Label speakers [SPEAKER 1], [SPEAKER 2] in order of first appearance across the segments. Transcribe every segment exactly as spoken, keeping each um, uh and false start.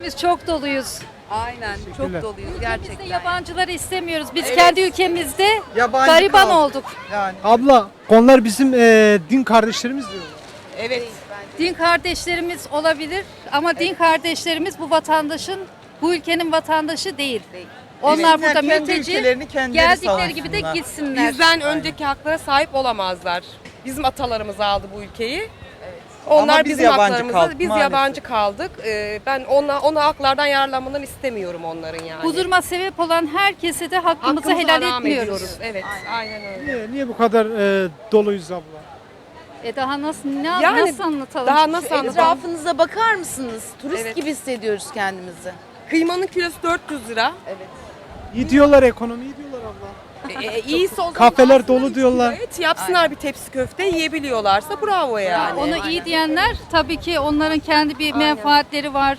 [SPEAKER 1] Biz çok doluyuz.
[SPEAKER 2] Aynen çok doluyuz
[SPEAKER 1] Ülkemizde
[SPEAKER 2] gerçekten.
[SPEAKER 1] yabancıları istemiyoruz. Biz
[SPEAKER 2] Evet.
[SPEAKER 1] kendi ülkemizde
[SPEAKER 3] Yabancı
[SPEAKER 1] gariban
[SPEAKER 3] kaldık.
[SPEAKER 1] olduk.
[SPEAKER 3] Yani
[SPEAKER 4] Abla onlar bizim e, din kardeşlerimiz diyorlar.
[SPEAKER 2] Evet.
[SPEAKER 1] Din kardeşlerimiz olabilir ama din kardeşlerimiz bu vatandaşın, bu ülkenin vatandaşı değil. Onlar
[SPEAKER 3] Evet.
[SPEAKER 1] burada
[SPEAKER 3] Kendi
[SPEAKER 1] mülteci,
[SPEAKER 3] ülkelerini kendileri
[SPEAKER 1] geldikleri gibi de
[SPEAKER 3] savunsınlar.
[SPEAKER 1] gitsinler.
[SPEAKER 2] Bizden önceki haklara sahip olamazlar. Bizim atalarımız aldı bu ülkeyi. Onlar
[SPEAKER 3] Ama biz
[SPEAKER 2] bizim
[SPEAKER 3] yabancı
[SPEAKER 2] haklarımızı,
[SPEAKER 3] kaldık
[SPEAKER 2] biz
[SPEAKER 3] maalesef.
[SPEAKER 2] yabancı kaldık. Ee, ben ona, ona haklardan yararlanmalarını istemiyorum onların yani.
[SPEAKER 1] Bu duruma sebep olan herkese de hakkımızı
[SPEAKER 2] Hakkımızı
[SPEAKER 1] helal
[SPEAKER 2] haram
[SPEAKER 1] etmiyoruz.
[SPEAKER 2] ediyoruz. Evet, aynen, öyle.
[SPEAKER 4] Niye, niye bu kadar e, doluyuz abla?
[SPEAKER 1] E daha nasıl ne,
[SPEAKER 2] Yani
[SPEAKER 1] nasıl anlatalım?
[SPEAKER 2] Daha nasıl anlatalım?
[SPEAKER 5] Etrafınıza bakar mısınız? Turist
[SPEAKER 2] Evet.
[SPEAKER 5] gibi hissediyoruz kendimizi.
[SPEAKER 2] Kıymanın kilosu dört yüz lira.
[SPEAKER 4] İyi diyorlar, ekonomi iyi diyorlar abla.
[SPEAKER 2] E, e, iyisi o zaman
[SPEAKER 4] Kafeler
[SPEAKER 2] alsınlar
[SPEAKER 4] dolu
[SPEAKER 2] üç
[SPEAKER 4] diyorlar.
[SPEAKER 2] kilo et, yapsınlar bir tepsi köfte yiyebiliyorlarsa bravo yani.
[SPEAKER 1] Onu iyi diyenler tabii ki onların kendi bir menfaatleri var.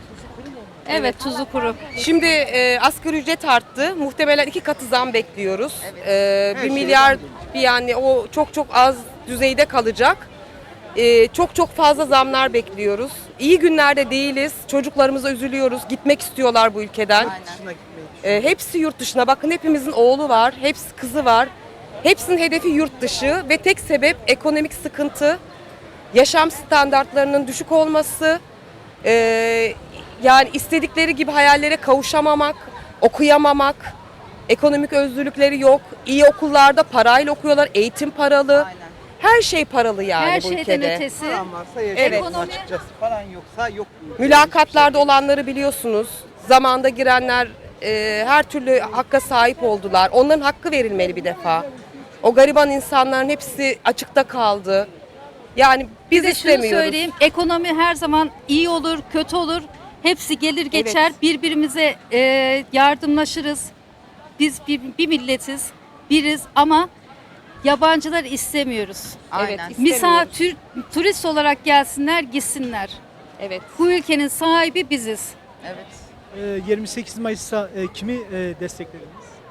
[SPEAKER 1] Evet, tuzu kuru.
[SPEAKER 2] Şimdi e, asgari ücret arttı. Muhtemelen iki katı zam bekliyoruz. E, bir milyar bir yani o çok çok az düzeyde kalacak. E, çok çok fazla zamlar bekliyoruz. İyi günlerde değiliz. Çocuklarımıza üzülüyoruz. Gitmek istiyorlar bu ülkeden.
[SPEAKER 3] dışına gitmeyi
[SPEAKER 2] E, hepsi yurt dışına. Bakın hepimizin oğlu var. Hepsi kızı var. Hepsinin hedefi yurt dışı ve tek sebep ekonomik sıkıntı. Yaşam standartlarının düşük olması. E, yani istedikleri gibi hayallere kavuşamamak, okuyamamak, ekonomik özgürlükleri yok. İyi okullarda parayla okuyorlar, eğitim paralı.
[SPEAKER 5] Aynen.
[SPEAKER 2] Her şey paralı yani
[SPEAKER 1] Her
[SPEAKER 2] bu
[SPEAKER 1] şeyden
[SPEAKER 2] ülkede.
[SPEAKER 1] ötesi.
[SPEAKER 3] paran varsa
[SPEAKER 2] Evet.
[SPEAKER 3] yaşarsın
[SPEAKER 1] Ekonomi-
[SPEAKER 3] açıkçası. Paran yoksa yok.
[SPEAKER 2] Mülakatlarda olanları biliyorsunuz. Zamanda girenler e, her türlü hakka sahip oldular. Onların hakkı verilmeli bir defa. O gariban insanların hepsi açıkta kaldı. Yani biz
[SPEAKER 1] Bir de şunu
[SPEAKER 2] istemiyoruz.
[SPEAKER 1] söyleyeyim, ekonomi her zaman iyi olur, kötü olur. Hepsi gelir geçer,
[SPEAKER 2] Evet.
[SPEAKER 1] birbirimize e, yardımlaşırız. Biz bir, bir milletiz, biriz ama yabancılar istemiyoruz.
[SPEAKER 5] Aynen.
[SPEAKER 2] Evet,
[SPEAKER 1] Misafir, turist olarak gelsinler, gitsinler.
[SPEAKER 2] Evet.
[SPEAKER 1] Bu ülkenin sahibi biziz.
[SPEAKER 5] Evet.
[SPEAKER 4] E, yirmi sekiz Mayıs'ta e, kimi e, desteklediniz?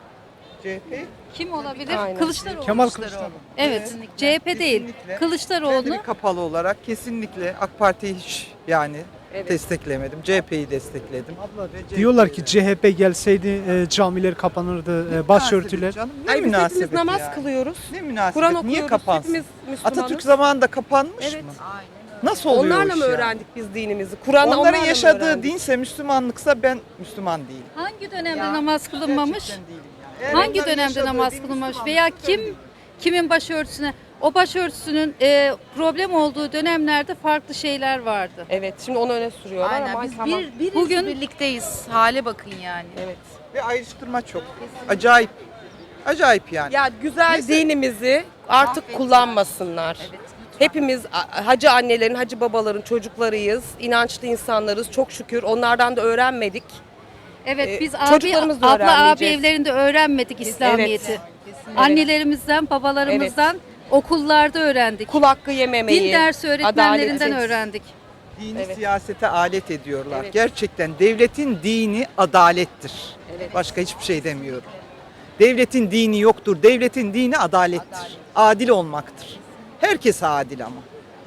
[SPEAKER 3] C H P
[SPEAKER 1] Kim olabilir?
[SPEAKER 2] Aynen.
[SPEAKER 1] Kılıçdaroğlu.
[SPEAKER 4] Kemal Kılıçdaroğlu.
[SPEAKER 1] Evet, C H P değil.
[SPEAKER 3] Kesinlikle.
[SPEAKER 1] Kılıçdaroğlu.
[SPEAKER 3] Kendimi kapalı olarak kesinlikle AK Parti'yi hiç yani
[SPEAKER 2] Evet.
[SPEAKER 3] desteklemedim. C H P'yi destekledim.
[SPEAKER 4] Abla
[SPEAKER 3] Ve C H P'yi
[SPEAKER 4] diyorlar ki
[SPEAKER 3] de-
[SPEAKER 4] C H P gelseydi e, camiler kapanırdı, e, başörtüler.
[SPEAKER 3] Canım, ne
[SPEAKER 2] Ay biz hepimiz
[SPEAKER 3] münasebet
[SPEAKER 2] namaz
[SPEAKER 3] yani.
[SPEAKER 2] kılıyoruz.
[SPEAKER 3] Ne münasebet?
[SPEAKER 2] Kur'an
[SPEAKER 3] Niye
[SPEAKER 2] okuyoruz.
[SPEAKER 3] kapansın?
[SPEAKER 2] Hepimiz Müslümanız.
[SPEAKER 3] Atatürk zamanında kapanmış
[SPEAKER 2] Evet.
[SPEAKER 3] mı?
[SPEAKER 5] Aynen.
[SPEAKER 3] Nasıl oluyor
[SPEAKER 2] Onlarla
[SPEAKER 3] o
[SPEAKER 2] mı
[SPEAKER 3] iş yani?
[SPEAKER 2] öğrendik biz dinimizi? Kur'an'ı
[SPEAKER 3] Onların
[SPEAKER 2] onlarla mı
[SPEAKER 3] yaşadığı
[SPEAKER 2] öğrendik?
[SPEAKER 3] dinse Müslümanlıksa ben Müslüman değilim.
[SPEAKER 1] Hangi dönemde
[SPEAKER 3] Ya,
[SPEAKER 1] namaz kılınmamış?
[SPEAKER 3] Gerçekten değilim yani. Eğer
[SPEAKER 1] Hangi
[SPEAKER 3] onların
[SPEAKER 1] dönemde
[SPEAKER 3] yaşadığı
[SPEAKER 1] namaz
[SPEAKER 3] din
[SPEAKER 1] kılınmamış
[SPEAKER 3] Müslümanlıksa
[SPEAKER 1] veya
[SPEAKER 3] ben
[SPEAKER 1] kim
[SPEAKER 3] değilim.
[SPEAKER 1] kimin başörtüsüne o başörtüsünün e, problem olduğu dönemlerde farklı şeyler vardı.
[SPEAKER 2] Evet, şimdi onu öne sürüyorlar
[SPEAKER 5] Aynen.
[SPEAKER 2] ama
[SPEAKER 5] Biz
[SPEAKER 2] tamam.
[SPEAKER 5] bir, biriz,
[SPEAKER 1] Bugün-
[SPEAKER 5] birlikteyiz. Hale bakın yani.
[SPEAKER 2] Evet.
[SPEAKER 3] Ve ayrıştırma çok. Acayip. Acayip yani.
[SPEAKER 2] Ya güzel
[SPEAKER 3] Mesela-
[SPEAKER 2] dinimizi artık kullanmasınlar. Hepimiz a- hacı annelerin, hacı babaların çocuklarıyız. İnançlı insanlarız. Çok şükür onlardan da öğrenmedik.
[SPEAKER 1] Evet
[SPEAKER 2] Ee,
[SPEAKER 1] biz abi
[SPEAKER 2] çocuklarımız da
[SPEAKER 1] abla abi
[SPEAKER 2] öğrenmeyeceğiz.
[SPEAKER 1] evlerinde öğrenmedik İslamiyet'i.
[SPEAKER 5] Kesinlikle.
[SPEAKER 1] Annelerimizden, babalarımızdan okullarda öğrendik.
[SPEAKER 2] Kul hakkı yememeyi.
[SPEAKER 1] Din dersi öğretmenlerinden
[SPEAKER 2] adaleti.
[SPEAKER 1] öğrendik.
[SPEAKER 3] Dini
[SPEAKER 2] Evet.
[SPEAKER 3] siyasete alet ediyorlar.
[SPEAKER 2] Evet.
[SPEAKER 3] Gerçekten devletin dini adalettir.
[SPEAKER 2] Evet.
[SPEAKER 3] Başka hiçbir şey demiyorum. Devletin dini yoktur. Devletin dini adalettir. Adil olmaktır. Herkes adil ama.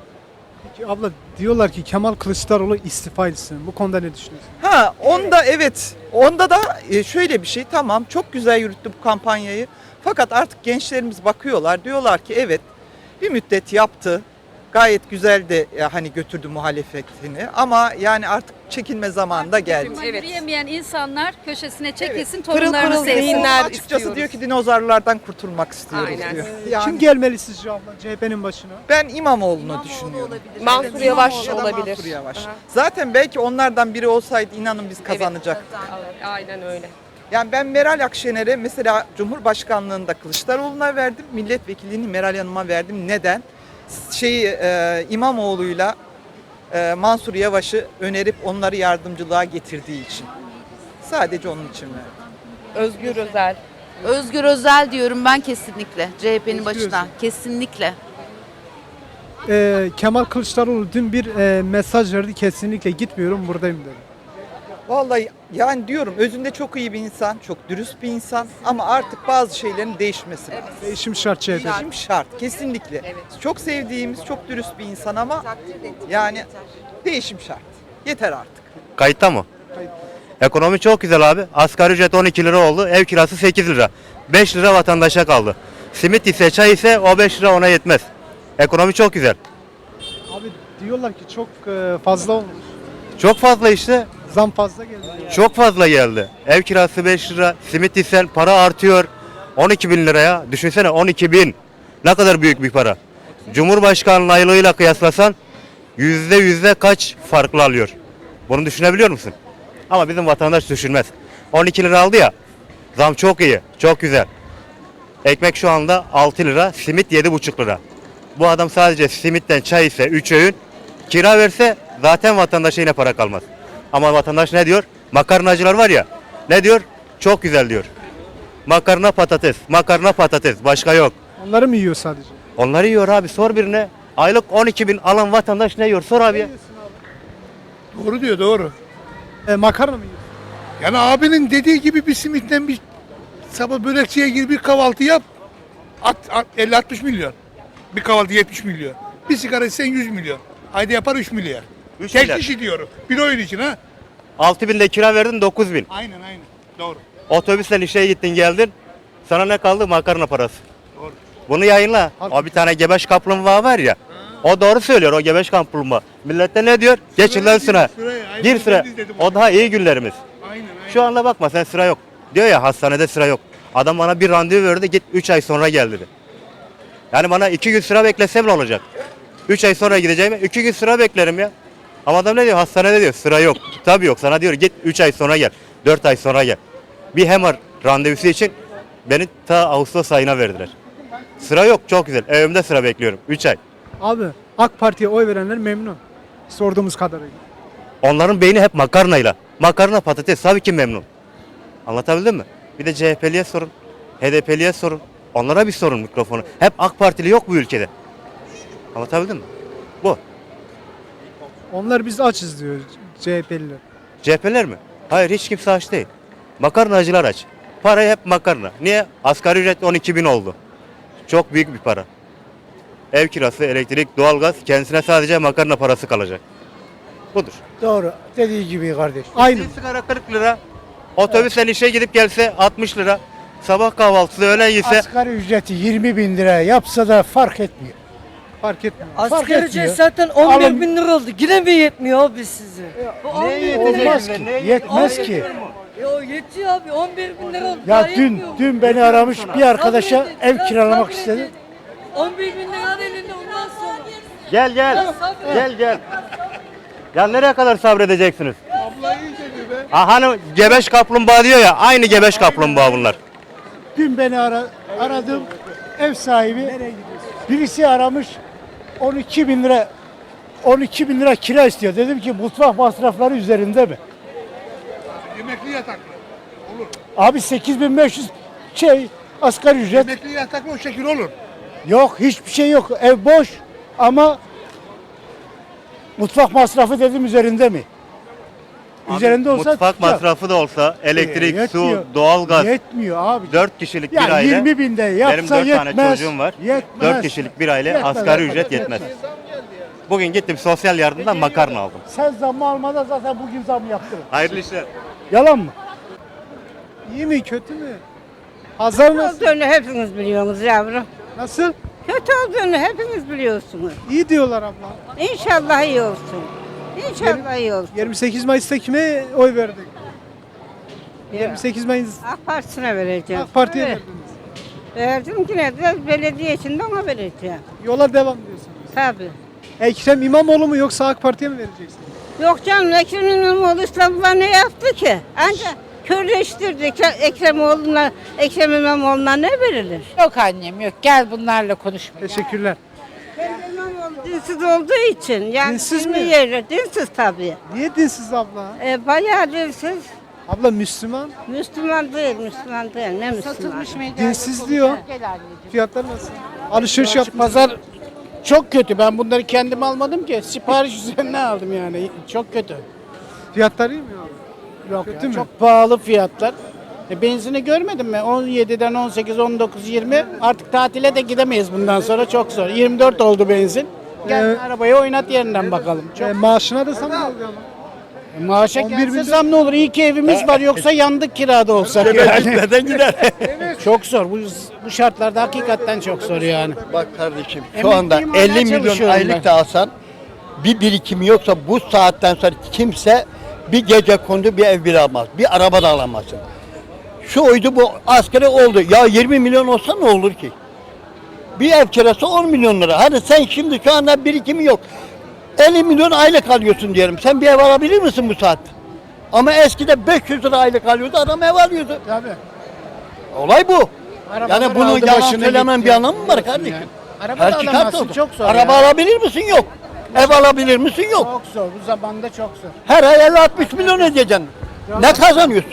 [SPEAKER 4] Peki abla diyorlar ki Kemal Kılıçdaroğlu istifa etsin. Bu konuda ne düşünüyorsun?
[SPEAKER 3] Ha onda evet. Onda da e, şöyle bir şey, tamam, çok güzel yürüttü bu kampanyayı. Fakat artık gençlerimiz bakıyorlar, diyorlar ki evet bir müddet yaptı. Gayet güzel de e, hani götürdü muhalefetini ama yani artık çekilme zamanı da geldi.
[SPEAKER 1] Ama
[SPEAKER 2] Evet.
[SPEAKER 1] yürüyemeyen insanlar köşesine çekilsin,
[SPEAKER 2] Pırıl
[SPEAKER 1] torunlarını
[SPEAKER 2] pırıl
[SPEAKER 1] sevsin.
[SPEAKER 2] zihinler
[SPEAKER 3] Açıkçası
[SPEAKER 2] istiyoruz.
[SPEAKER 3] diyor ki dinozorlardan kurtulmak istiyoruz
[SPEAKER 2] Aynen.
[SPEAKER 3] diyor.
[SPEAKER 4] Kim
[SPEAKER 3] Yani
[SPEAKER 4] gelmeli sizce abla C H P'nin başına?
[SPEAKER 3] ben İmamoğlu'nu
[SPEAKER 5] İmamoğlu
[SPEAKER 3] düşünüyorum.
[SPEAKER 5] olabilir.
[SPEAKER 2] Mansur
[SPEAKER 5] Evet,
[SPEAKER 2] Yavaş
[SPEAKER 3] Ya da
[SPEAKER 2] olabilir.
[SPEAKER 3] Mansur Yavaş.
[SPEAKER 2] Aha.
[SPEAKER 3] Zaten belki onlardan biri olsaydı inanın biz kazanacak.
[SPEAKER 2] Aynen öyle.
[SPEAKER 3] Yani ben Meral Akşener'e mesela Cumhurbaşkanlığında Kılıçdaroğlu'na verdim, milletvekilliğini Meral Hanım'a verdim. Neden? Şeyi e, İmamoğlu'yla e, Mansur Yavaş'ı önerip onları yardımcılığa getirdiği için. Sadece onun için verdim.
[SPEAKER 2] Özgür Özel.
[SPEAKER 5] Özgür Özel diyorum ben kesinlikle. C H P'nin
[SPEAKER 4] Özgür
[SPEAKER 5] başına.
[SPEAKER 4] Özel.
[SPEAKER 5] Kesinlikle.
[SPEAKER 4] E, Kemal Kılıçdaroğlu dün bir e, mesaj verdi, kesinlikle gitmiyorum, buradayım dedi.
[SPEAKER 3] Vallahi yani diyorum, özünde çok iyi bir insan, çok dürüst bir insan ama artık bazı şeylerin değişmesi lazım.
[SPEAKER 4] Değişim şart C H P.
[SPEAKER 3] Değişim şart kesinlikle. Çok sevdiğimiz, çok dürüst bir insan ama yani değişim şart. Yeter artık.
[SPEAKER 6] Kayıtta mı?
[SPEAKER 4] Kayıt.
[SPEAKER 6] Ekonomi çok güzel abi. Asgari ücret on iki lira oldu. Ev kirası sekiz lira. beş lira vatandaşa kaldı. Simit ise çay ise o beş lira ona yetmez. Ekonomi çok güzel.
[SPEAKER 4] Abi diyorlar ki çok e, fazla olmuş.
[SPEAKER 6] Çok fazla işte.
[SPEAKER 4] Zam fazla geldi.
[SPEAKER 6] Çok fazla geldi. Ev kirası beş lira. Simit ise para artıyor. on iki bin liraya. Düşünsene on iki bin. Ne kadar büyük bir para. Cumhurbaşkanlığı aylığıyla kıyaslasan yüzde yüzde kaç farklı alıyor. Bunu düşünebiliyor musun? Ama bizim vatandaş düşünmez. on iki lira aldı ya. Zam çok iyi. Çok güzel. Ekmek şu anda altı lira. Simit yedi buçuk lira. Bu adam sadece simitten çay ise üç öğün. Kira verse zaten vatandaşa yine para kalmaz. Ama vatandaş ne diyor? Makarnacılar var ya. Ne diyor? Çok güzel diyor. Makarna patates. Makarna patates. Başka yok.
[SPEAKER 4] Onları mı yiyor sadece?
[SPEAKER 6] Onları yiyor abi. Sor birine. Aylık on iki bin alan vatandaş ne yiyor? Sor abi ya.
[SPEAKER 7] Doğru diyor, doğru.
[SPEAKER 4] E, makarna mı yiyor?
[SPEAKER 7] Yani abinin dediği gibi bir simitten bir sabah börekçiye gir, bir kahvaltı yap. At, at elli altmış milyon. Bir kahvaltı yetmiş milyon. Bir sigara içsen yüz milyon. Ayda yapar üç milyar.
[SPEAKER 6] üç
[SPEAKER 7] Tek
[SPEAKER 6] milyar.
[SPEAKER 7] kişi diyorum. Bir oyun için ha.
[SPEAKER 6] altı bin de kira verdin dokuz bin.
[SPEAKER 7] Aynen aynen. Doğru.
[SPEAKER 6] Otobüsle işe gittin geldin. Sana ne kaldı? Makarna parası.
[SPEAKER 7] Doğru.
[SPEAKER 6] Bunu yayınla. O bir tane gebeş kaplumbağa var ya. O doğru söylüyor o gebeş kaplumbağa. Millette ne diyor? Geçin lan sıra.
[SPEAKER 7] Sıraya, aynen
[SPEAKER 6] Gir sıra.
[SPEAKER 7] ben de izledim
[SPEAKER 6] O
[SPEAKER 7] onu.
[SPEAKER 6] daha iyi günlerimiz.
[SPEAKER 7] Aynen aynen.
[SPEAKER 6] Şu anda bakma sen sıra yok. Diyor ya hastanede sıra yok. Adam bana bir randevu verdi git üç ay sonra gel dedi. Yani bana iki gün sıra beklesem ne olacak? üç ay sonra gideceğim iki gün sıra beklerim ya. Ama adam ne diyor? Hastanede diyor sıra yok. Tabii yok sana diyor git üç ay sonra gel. dört ay sonra gel. Bir M R randevusu için beni ta Ağustos ayına verdiler. Sıra yok çok güzel. Evimde sıra bekliyorum üç ay.
[SPEAKER 4] Abi AK Parti'ye oy verenler memnun. Sorduğumuz kadarıyla.
[SPEAKER 6] Onların beyni hep makarnayla. Makarna patates tabii ki memnun. Anlatabildim mi? Bir de C H P'liye sorun. H D P'liye sorun. Onlara bir sorun mikrofonu. Hep AK Partili yok bu ülkede. Anlatabildim mi? Bu.
[SPEAKER 4] Onlar biz açız diyor C H P'liler.
[SPEAKER 6] C H P'ler mi? Hayır hiç kimse aç değil. Makarnacılar aç. Para hep makarna. Niye? Asgari ücret on iki bin oldu. Çok büyük bir para. Ev kirası, elektrik, doğalgaz kendisine sadece makarna parası kalacak. Budur.
[SPEAKER 8] Doğru. Dediği gibi kardeş.
[SPEAKER 4] Aynı.
[SPEAKER 6] Bir sigara kırk lira. Otobüsten işe gidip gelse altmış lira. Sabah kahvaltısı öğlen yese
[SPEAKER 8] Asgari ücreti yirmi bin lira yapsa da fark etmiyor.
[SPEAKER 4] Fark etmiyor.
[SPEAKER 8] Fark
[SPEAKER 9] Asgari
[SPEAKER 8] etmiyor.
[SPEAKER 9] ücret zaten on
[SPEAKER 8] Alın-
[SPEAKER 9] bir bin lira oldu. Yine mi yetmiyor abi size? Bu on bir bin lira.
[SPEAKER 8] Olmaz ki. Yetmez ki.
[SPEAKER 9] Ya yetiyor abi on bir bin lira oldu.
[SPEAKER 8] Ya
[SPEAKER 9] daha
[SPEAKER 8] dün
[SPEAKER 9] yetmiyor mu?
[SPEAKER 8] dün beni aramış bir arkadaşa
[SPEAKER 9] Sabredin,
[SPEAKER 8] ev
[SPEAKER 9] biraz
[SPEAKER 8] kiralamak
[SPEAKER 9] sabredin.
[SPEAKER 8] istedi.
[SPEAKER 9] on bir bin liranın elinde ondan sonra.
[SPEAKER 6] gel gel.
[SPEAKER 9] sabret.
[SPEAKER 6] Gel gel. Ya nereye kadar sabredeceksiniz? Ha hani gebeş kaplumbağa diyor ya aynı gebeş kaplumbağa bunlar.
[SPEAKER 8] Dün beni ara, aradım ev sahibi. Birisi aramış on iki bin lira on iki bin lira kira istiyor. Dedim ki mutfak masrafları üzerinde mi?
[SPEAKER 7] Yemekli yataklı. Olur.
[SPEAKER 8] Abi sekiz bin beş yüz şey asgari ücret.
[SPEAKER 7] Yemekli yataklı o şekil olur.
[SPEAKER 8] Yok hiçbir şey yok. Ev boş ama mutfak masrafı dedim üzerinde mi? Üzerinde olsa
[SPEAKER 6] Mutfak
[SPEAKER 8] tutacak.
[SPEAKER 6] masrafı da olsa elektrik,
[SPEAKER 8] Ee,
[SPEAKER 6] su,
[SPEAKER 8] yetmiyor.
[SPEAKER 6] doğalgaz.
[SPEAKER 8] Yetmiyor abi.
[SPEAKER 6] dört kişilik
[SPEAKER 8] Ya
[SPEAKER 6] bir aile.
[SPEAKER 8] yirmi binde yapsa
[SPEAKER 6] Benim dört
[SPEAKER 8] yetmez.
[SPEAKER 6] tane çocuğum var.
[SPEAKER 8] Yetmez.
[SPEAKER 6] dört kişilik bir aile
[SPEAKER 8] Yetmez
[SPEAKER 6] asgari
[SPEAKER 8] arkadaş,
[SPEAKER 6] ücret yetmez. Bugün gittim sosyal yardımdan makarna aldım.
[SPEAKER 8] Sen zammı almadan zaten bugün zam yaptın.
[SPEAKER 6] Hayırlı işler.
[SPEAKER 8] Yalan mı?
[SPEAKER 4] İyi mi kötü mü? Pazar nasıl?
[SPEAKER 10] olduğunu hepiniz biliyorsunuz yavrum.
[SPEAKER 4] Nasıl?
[SPEAKER 10] Kötü olduğunu hepiniz biliyorsunuz.
[SPEAKER 4] İyi diyorlar abla.
[SPEAKER 10] İnşallah iyi olsun. İnşallah iyi olsun.
[SPEAKER 4] yirmi sekiz Mayıs'ta kime oy verdik? yirmi sekiz Mayıs
[SPEAKER 10] AK Partisi'ne vereceğim.
[SPEAKER 4] AK Parti'ye
[SPEAKER 10] Evet.
[SPEAKER 4] verdiniz.
[SPEAKER 10] Verdim ki ne de belediye için de ona vereceğim.
[SPEAKER 4] Yola devam diyorsunuz.
[SPEAKER 10] Tabii.
[SPEAKER 4] Ekrem İmamoğlu mu yoksa AK Parti'ye mi vereceksiniz?
[SPEAKER 10] Yok canım Ekrem İmamoğlu İstanbul'a ne yaptı ki? Ancak körleştirdi. Ekrem- Ekremoğlu'na, Ekrem İmamoğlu'na ne verilir?
[SPEAKER 5] Yok annem yok. Gel bunlarla konuşma.
[SPEAKER 4] Teşekkürler.
[SPEAKER 10] Ekrem İmamoğlu dinsiz olduğu için. Yani
[SPEAKER 4] Dinsiz
[SPEAKER 10] dini
[SPEAKER 4] mi?
[SPEAKER 10] Yeri, dinsiz tabii.
[SPEAKER 4] Niye dinsiz abla?
[SPEAKER 10] E, bayağı dinsiz.
[SPEAKER 4] Abla Müslüman.
[SPEAKER 10] Müslüman değil, Müslüman değil. Ne Müslüman?
[SPEAKER 4] Dinsiz diyor. Fiyatlar nasıl? Alışveriş yap.
[SPEAKER 8] Pazar çok kötü. Ben bunları kendim almadım ki. Sipariş üzerine aldım yani. Çok kötü.
[SPEAKER 4] Fiyatlar iyi mi abi?
[SPEAKER 8] Yok
[SPEAKER 4] Kötü
[SPEAKER 8] ya,
[SPEAKER 4] mü?
[SPEAKER 8] çok pahalı fiyatlar. E, benzini görmedin mi? on yediden on sekiz, on dokuz, yirmi. Artık tatile de gidemeyiz bundan sonra. Çok zor. yirmi dört oldu benzin. Gel
[SPEAKER 4] Ee,
[SPEAKER 8] arabayı oynat yerinden bakalım. Çok
[SPEAKER 4] E, maaşına da zam geldi ama.
[SPEAKER 8] Maaşa
[SPEAKER 4] on bir
[SPEAKER 8] gelse
[SPEAKER 4] milyon-
[SPEAKER 8] zam ne olur? İyi ki evimiz var yoksa yandık kirada olsak yani. Neden gider? Çok zor. Bu, bu şartlarda hakikaten çok zor yani.
[SPEAKER 11] Bak kardeşim şu
[SPEAKER 8] Emekliyim,
[SPEAKER 11] anda
[SPEAKER 8] hala
[SPEAKER 11] elli milyon
[SPEAKER 8] çalışıyorum
[SPEAKER 11] aylık
[SPEAKER 8] ben.
[SPEAKER 11] da alsan bir birikimi yoksa bu saatten sonra kimse bir gece kondu bir ev bile almaz. Bir araba da alamazsın. Şu oydu bu askeri oldu. Ya yirmi milyon olsa ne olur ki? Bir ev kirası on milyon lira. Hani sen şimdi şu anda birikimi yok. elli milyon aylık alıyorsun diyelim. Sen bir ev alabilir misin bu saatte? Ama eskide beş yüz lira aylık alıyordu, adam ev alıyordu.
[SPEAKER 8] Tabii.
[SPEAKER 11] Olay bu.
[SPEAKER 8] Arabalar
[SPEAKER 11] Yani bunu
[SPEAKER 8] aldı
[SPEAKER 11] yalan
[SPEAKER 8] başını
[SPEAKER 11] söylemen
[SPEAKER 8] gitti.
[SPEAKER 11] bir anlamı mı var kardeşim?
[SPEAKER 8] Yani. Araba
[SPEAKER 11] Her
[SPEAKER 8] da
[SPEAKER 11] çıkarsa
[SPEAKER 8] alamazsın,
[SPEAKER 11] olur.
[SPEAKER 8] çok zor
[SPEAKER 11] Araba
[SPEAKER 8] ya.
[SPEAKER 11] alabilir misin? Yok. Ev alabilir misin? Yok.
[SPEAKER 8] Çok zor. Bu zamanda çok zor.
[SPEAKER 11] Her ay elli altmış milyon ödeyeceksin. Ne kazanıyorsun?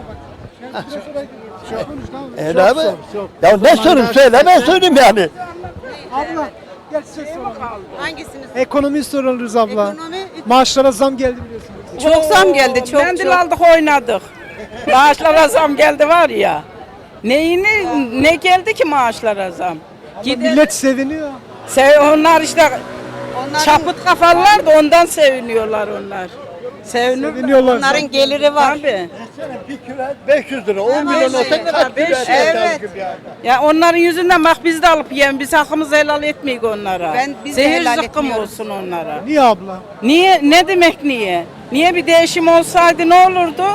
[SPEAKER 11] E
[SPEAKER 8] Çok
[SPEAKER 11] ne abi?
[SPEAKER 8] zor, çok.
[SPEAKER 11] Ya ne sorun
[SPEAKER 8] Zamanda
[SPEAKER 11] söyle ben
[SPEAKER 8] hakikaten-
[SPEAKER 11] söyleyeyim yani.
[SPEAKER 4] Abla gel size soralım.
[SPEAKER 10] Hangisiniz?
[SPEAKER 4] Ekonomiyi soruluruz abla.
[SPEAKER 10] Ekonomi-
[SPEAKER 4] Maaşlara zam geldi biliyorsunuz.
[SPEAKER 10] Çok zam geldi, çok
[SPEAKER 9] Mendil
[SPEAKER 10] çok.
[SPEAKER 9] aldık oynadık. Maaşlara zam geldi var ya. Neyini ne geldi ki maaşlara zam?
[SPEAKER 4] Ama millet seviniyor.
[SPEAKER 9] Sev, onlar işte çapıt kafalılar da ondan seviniyorlar onlar. Sevinir.
[SPEAKER 4] Seviniyorlar.
[SPEAKER 10] Onların geliri var.
[SPEAKER 9] Tabii.
[SPEAKER 11] Bir kilo beş yüz lira, on milyon olsa kaç kilo et
[SPEAKER 10] Evet.
[SPEAKER 9] Ya onların yüzünden bak biz de alıp yiyelim. Biz hakkımızı helal etmeyik onlara.
[SPEAKER 10] Ben- biz de
[SPEAKER 9] Zehir
[SPEAKER 10] helal
[SPEAKER 9] zıkkım
[SPEAKER 10] etmiyoruz.
[SPEAKER 9] olsun onlara.
[SPEAKER 4] Niye abla?
[SPEAKER 9] Niye? Ne demek niye? Niye bir değişim olsaydı ne olurdu?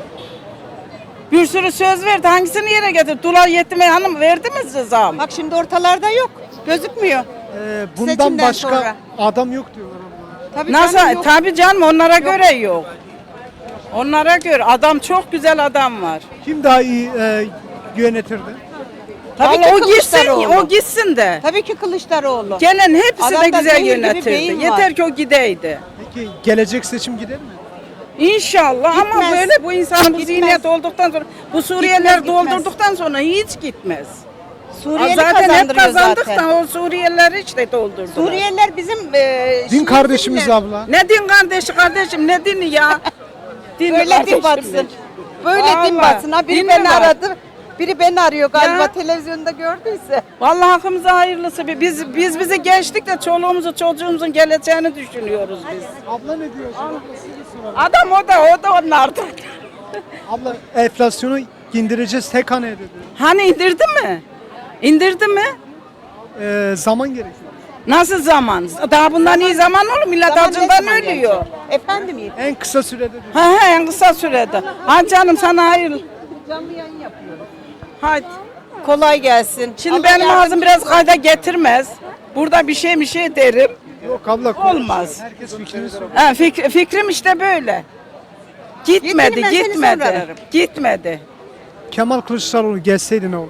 [SPEAKER 9] Bir sürü söz verdi. Hangisini yere getirdi? Dolar yetime hanım verdi mi size zam?
[SPEAKER 10] Bak şimdi ortalarda yok. Gözükmüyor.
[SPEAKER 4] Ee, bundan
[SPEAKER 10] Seçimden
[SPEAKER 4] başka
[SPEAKER 10] sonra.
[SPEAKER 4] adam yok diyorlar abla.
[SPEAKER 10] Tabii
[SPEAKER 9] Nasıl?
[SPEAKER 10] canım, yok.
[SPEAKER 9] Tabii canım onlara göre yok. Onlara göre adam çok güzel adam var.
[SPEAKER 4] Kim daha iyi e, yönetirdi?
[SPEAKER 10] Tabii
[SPEAKER 9] Vallahi
[SPEAKER 10] ki
[SPEAKER 9] o gitsin,
[SPEAKER 10] Kılıçdaroğlu.
[SPEAKER 9] o gitsin de.
[SPEAKER 10] Tabii ki Kılıçdaroğlu.
[SPEAKER 9] Gelen hepsi de
[SPEAKER 10] Adamda
[SPEAKER 9] güzel
[SPEAKER 10] zehir gibi
[SPEAKER 9] yönetirdi.
[SPEAKER 10] beyin var.
[SPEAKER 9] Yeter ki o gideydi.
[SPEAKER 4] Peki gelecek seçim gider mi?
[SPEAKER 9] İnşallah ama
[SPEAKER 10] Gitmez.
[SPEAKER 9] böyle bu insanın bu
[SPEAKER 10] Gitmez.
[SPEAKER 9] zihniyet olduktan sonra bu Suriyeliler
[SPEAKER 10] Gitmez, gitmez.
[SPEAKER 9] doldurduktan sonra hiç gitmez.
[SPEAKER 10] Suriyeli
[SPEAKER 9] zaten hep
[SPEAKER 10] kazandırıyor
[SPEAKER 9] kazandık
[SPEAKER 10] zaten.
[SPEAKER 9] da o Suriyeliler hiç de doldurdular.
[SPEAKER 10] Suriyeliler bizim e,
[SPEAKER 4] Din
[SPEAKER 10] şimdi
[SPEAKER 4] kardeşimiz
[SPEAKER 10] bizimle-
[SPEAKER 4] abla.
[SPEAKER 9] Ne din kardeşi kardeşim ne dini ya? Din
[SPEAKER 10] Böyle din
[SPEAKER 9] kardeşim.
[SPEAKER 10] batsın. Böyle din
[SPEAKER 9] Vallahi,
[SPEAKER 10] batsın. Ha biri
[SPEAKER 9] din mi
[SPEAKER 10] beni
[SPEAKER 9] var?
[SPEAKER 10] aradı. Biri beni arıyor galiba
[SPEAKER 9] Ya.
[SPEAKER 10] televizyonda gördüyse.
[SPEAKER 9] Vallahi hakkımıza hayırlısı. bir- Biz biz bizi geçtik de çoluğumuzu çocuğumuzun geleceğini düşünüyoruz biz.
[SPEAKER 4] Abla ne diyor?
[SPEAKER 9] Adam o da o da onlardan.
[SPEAKER 4] Abla enflasyonu indireceğiz tek haneye dedi.
[SPEAKER 9] Hani indirdi mi? İndirdi mi?
[SPEAKER 4] Ee, zaman gerekiyor.
[SPEAKER 9] Nasıl zaman? Daha bundan iyi zaman olur. Millet
[SPEAKER 10] Zaman ne
[SPEAKER 9] acından
[SPEAKER 10] zaman
[SPEAKER 9] ölüyor.
[SPEAKER 10] gelecek? Efendim iyi.
[SPEAKER 4] En kısa sürede diyor.
[SPEAKER 9] Ha ha en kısa sürede. Ha canım sana hayır.
[SPEAKER 10] Canlı yayın yapıyorum.
[SPEAKER 9] Hadi.
[SPEAKER 10] Kolay gelsin.
[SPEAKER 9] Şimdi
[SPEAKER 10] Allah
[SPEAKER 9] benim ağzım
[SPEAKER 10] yardımcınız
[SPEAKER 9] biraz
[SPEAKER 10] olsun.
[SPEAKER 9] kayda getirmez. Burada bir şey bir şey derim.
[SPEAKER 4] Yok abla.
[SPEAKER 9] Olmaz.
[SPEAKER 4] Herkes fikrini söylüyor.
[SPEAKER 9] Ha, fik- fikrim işte böyle. Gitmedi,
[SPEAKER 10] Yeterim, ben seni sonra
[SPEAKER 9] gitmedi.
[SPEAKER 10] ararım.
[SPEAKER 9] Gitmedi.
[SPEAKER 4] Kemal Kılıçdaroğlu gelseydi ne olurdu?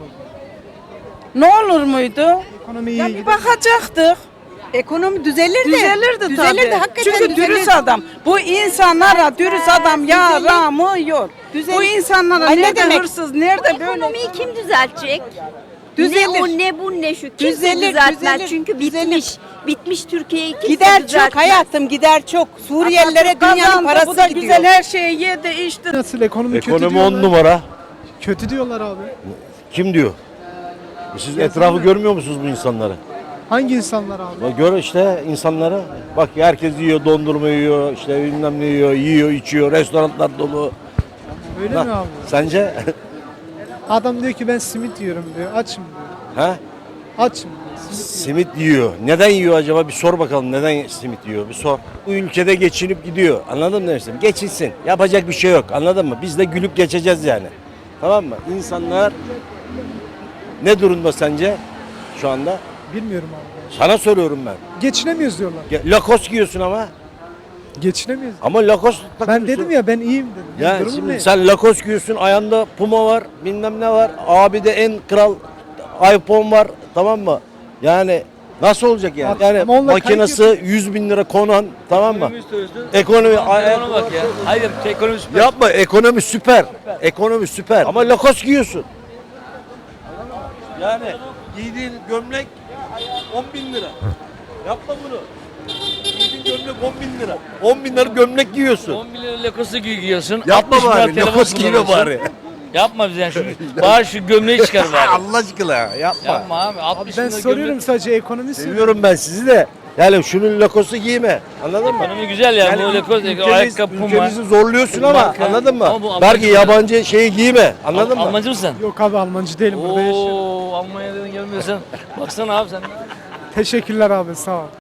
[SPEAKER 9] Ne olur muydu?
[SPEAKER 4] Ekonomi iyi
[SPEAKER 9] Ya
[SPEAKER 4] gider.
[SPEAKER 9] bir bakacaktık.
[SPEAKER 10] Ekonomi düzelirdi.
[SPEAKER 9] Düzelirdi tabii.
[SPEAKER 10] Düzelirdi hakikaten
[SPEAKER 9] Çünkü
[SPEAKER 10] düzelirdi.
[SPEAKER 9] dürüst adam. Bu insanlara dürüst adam yaramıyor.
[SPEAKER 10] Düzelir.
[SPEAKER 9] Bu insanlara
[SPEAKER 10] Ay ne
[SPEAKER 9] nerede
[SPEAKER 10] demek?
[SPEAKER 9] hırsız, nerede böyle.
[SPEAKER 12] Ekonomiyi kim düzeltecek?
[SPEAKER 10] Düzelir.
[SPEAKER 12] Ne o ne bu ne şu. Kimse
[SPEAKER 10] Düzelir,
[SPEAKER 12] düzeltmez.
[SPEAKER 10] düzelir,
[SPEAKER 12] Çünkü
[SPEAKER 10] düzelir.
[SPEAKER 12] bitmiş. Bitmiş Türkiye'yi kimse
[SPEAKER 10] Gider çok
[SPEAKER 12] düzeltmez.
[SPEAKER 10] hayatım gider çok. Suriyelilere
[SPEAKER 9] Atatürk
[SPEAKER 10] dünyanın
[SPEAKER 9] kazandı,
[SPEAKER 10] parası
[SPEAKER 9] bu da
[SPEAKER 10] gidiyor.
[SPEAKER 9] güzel her şeyi yedi içti.
[SPEAKER 4] Nasıl ekonomi, kötü
[SPEAKER 13] Ekonomi
[SPEAKER 4] diyorlar.
[SPEAKER 13] on numara.
[SPEAKER 4] Kötü diyorlar abi.
[SPEAKER 13] Kim diyor? Siz etrafı görmüyor musunuz bu insanları?
[SPEAKER 4] Hangi insanlar abi?
[SPEAKER 13] Bak gör işte insanları. Bak herkes yiyor, dondurma yiyor, işte bilmem ne yiyor, yiyor, içiyor, restoranlar dolu.
[SPEAKER 4] Öyle
[SPEAKER 13] Bak,
[SPEAKER 4] mi abi?
[SPEAKER 13] Sence?
[SPEAKER 4] Adam diyor ki ben simit yiyorum diyor. Açım diyor.
[SPEAKER 13] ha?
[SPEAKER 4] Açım diyor. Simit
[SPEAKER 13] Simit yiyor. Neden yiyor acaba? Bir sor bakalım neden simit yiyor? Bir sor. Bu ülkede geçinip gidiyor. Anladın mı demiştim? Geçinsin. Yapacak bir şey yok. Anladın mı? Biz de gülüp geçeceğiz yani. Tamam mı? İnsanlar ne durumda sence şu anda?
[SPEAKER 4] yiyor. Bilmiyorum abi.
[SPEAKER 13] Sana soruyorum ben.
[SPEAKER 4] Geçinemiyoruz diyorlar.
[SPEAKER 13] Ge- Lakos giyiyorsun ama.
[SPEAKER 4] Geçinemiyoruz.
[SPEAKER 13] Ama Lakos
[SPEAKER 4] Ben
[SPEAKER 13] takıyorsun.
[SPEAKER 4] dedim ya ben iyiyim dedim.
[SPEAKER 13] Ya
[SPEAKER 4] Durum
[SPEAKER 13] şimdi
[SPEAKER 4] ne?
[SPEAKER 13] sen Lakos giyiyorsun, ayağında Puma var, bilmem ne var. Abi de en kral iPhone var, tamam mı? Yani nasıl olacak yani?
[SPEAKER 4] Bak,
[SPEAKER 13] Yani
[SPEAKER 4] ama onlar
[SPEAKER 13] makinesi yüz bin lira konan, tamam mı? Ekonomi,
[SPEAKER 14] Ona bak ya. Hayır, ekonomi süper.
[SPEAKER 13] yapma, ekonomi süper. Ekonomi süper. Ama Lakos giyiyorsun. Yani giydiğin gömlek on bin lira. Yapma bunu. Giydiğin gömlek on bin lira. on bin lira gömlek giyiyorsun.
[SPEAKER 14] on bin lira lakosu giyiyorsun.
[SPEAKER 13] Yapma
[SPEAKER 14] altmış bin lira
[SPEAKER 13] bari,
[SPEAKER 14] telefon
[SPEAKER 13] Lakos giyme
[SPEAKER 14] kullanıyorsun.
[SPEAKER 13] bari.
[SPEAKER 14] Yapma bize yani şu, bari şu gömleği çıkar bari.
[SPEAKER 13] Allah aşkına yapma.
[SPEAKER 14] Yapma abi,
[SPEAKER 4] Abi
[SPEAKER 14] altmış
[SPEAKER 4] ben
[SPEAKER 14] bin lira
[SPEAKER 4] soruyorum
[SPEAKER 14] gömlek.
[SPEAKER 4] sadece ekonomi soruyorum.
[SPEAKER 13] Seviyorum ben sizi de. Yani şunun lakosu giyme. Anladın mı?
[SPEAKER 14] Ekonomi güzel ya.
[SPEAKER 13] Yani
[SPEAKER 14] bu lekos,
[SPEAKER 13] ülkemiz-
[SPEAKER 14] ayakkabı, puma.
[SPEAKER 13] ülkemizi zorluyorsun ama
[SPEAKER 14] Marka.
[SPEAKER 13] anladın mı?
[SPEAKER 14] Ama bu
[SPEAKER 13] Belki
[SPEAKER 14] Almancı-
[SPEAKER 13] yabancı şeyi giyme. Anladın
[SPEAKER 14] Al-
[SPEAKER 13] mı?
[SPEAKER 14] Almancı mısın?
[SPEAKER 4] Yok abi Almancı değilim burada yaşıyorum.
[SPEAKER 14] Oo, Almanya'dan gelmiyorsan. Baksana abi sen.
[SPEAKER 4] Teşekkürler abi sağ ol.